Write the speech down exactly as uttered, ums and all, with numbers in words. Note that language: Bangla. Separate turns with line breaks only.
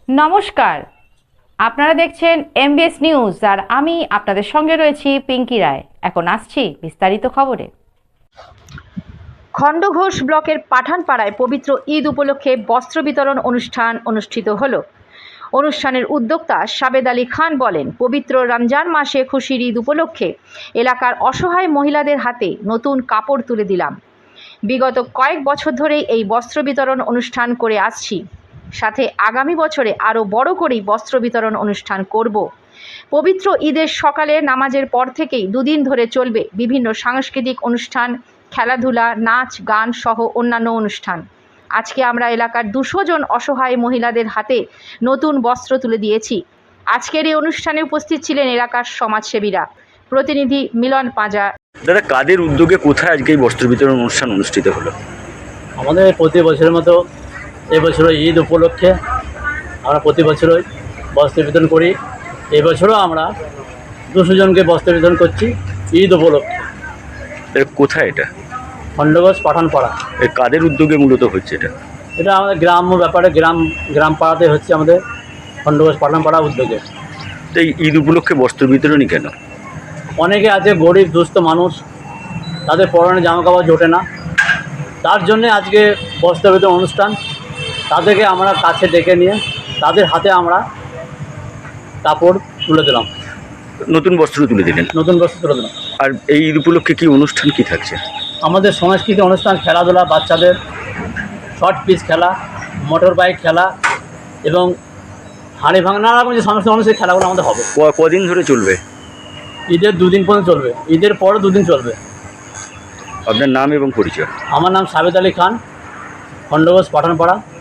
নমস্কার, আপনারা দেখছেন এমবিএস নিউজ আর আমি আপনাদের সঙ্গে রয়েছি পিঙ্কি রায়। এখন আসছি বিস্তারিত খবরে। খণ্ডঘোষ ব্লকের পাঠানপাড়ায় পবিত্র ঈদ উপলক্ষে বস্ত্র বিতরণ অনুষ্ঠান অনুষ্ঠিত হলো। অনুষ্ঠানের উদ্যোক্তা সাবেদ আলী খান বলেন, পবিত্র রমজান মাসে খুশির ঈদ উপলক্ষে এলাকার অসহায় মহিলাদের হাতে নতুন কাপড় তুলে দিলাম। বিগত কয়েক বছর ধরেই এই বস্ত্র বিতরণ অনুষ্ঠান করে আসছি, সাথে আগামী বছরে আরও বড় করেই বস্ত্র বিতরণ অনুষ্ঠান করব। পবিত্র ঈদের সকালে নামাজের পর থেকেই দুদিন ধরে চলবে বিভিন্ন সাংস্কৃতিক অনুষ্ঠান, খেলাধুলা, নাচ গান সহ অন্যান্য অনুষ্ঠান। আজকে আমরা এলাকার দুশো জন অসহায় মহিলাদের হাতে নতুন বস্ত্র তুলে দিয়েছি। আজকের এই অনুষ্ঠানে উপস্থিত ছিলেন এলাকার সমাজসেবীরা। প্রতিনিধি মিলন পাঁজা।
দাদা, কাদের উদ্যোগে কোথায় আজকে এই বস্ত্র বিতরণ অনুষ্ঠান অনুষ্ঠিত হলো?
আমাদের প্রতি বছরের মতো এবছরও ঈদ উপলক্ষে আমরা প্রতি বছরই বস্ত্র বিতরণ করি। এবছরও আমরা দুশো জনকে বস্ত্র বিতরণ করছি ঈদ উপলক্ষে।
এর কোথায় এটা?
খণ্ডঘোষ পাঠানপাড়া।
এর কাদের উদ্যোগে মূলত হচ্ছে এটা?
এটা আমাদের গ্রাম্য ব্যাপারে গ্রাম গ্রাম পাড়াতে হচ্ছে, আমাদের খণ্ডঘোষ পাঠানপাড়া উদ্যোগে।
তো এই ঈদ উপলক্ষে বস্ত্র বিতরণই কেন?
অনেকে আছে গরিব দুস্থ মানুষ, তাদের পরনে জামা কাপড় জোটে না, তার জন্যে আজকে বস্ত্র বিতরণ অনুষ্ঠান। তাদেরকে আমরা কাছে ডেকে নিয়ে তাদের হাতে আমরা কাপড় তুলে দিলাম,
নতুন বস্ত্র তুলে দিলেন।
নতুন বস্ত্র তুলে দিলাম।
আর এই ঈদ উপলক্ষে কি অনুষ্ঠান কি থাকছে?
আমাদের সাংস্কৃতিক অনুষ্ঠান, খেলাধুলা, বাচ্চাদের শর্ট পিচ খেলা, মোটর বাইক খেলা এবং হাঁড়ি ভাঙা, নানা রকম যে সমস্ত মানুষের খেলাগুলো আমাদের হবে।
ক- কদিন ধরে চলবে?
ঈদের দুদিন পর্যন্ত চলবে, ঈদের পরও দুদিন চলবে।
আপনার নাম এবং পরিচয়?
আমার নাম সাবেদ আলী খান, খণ্ডঘোষ পাঠানপাড়া।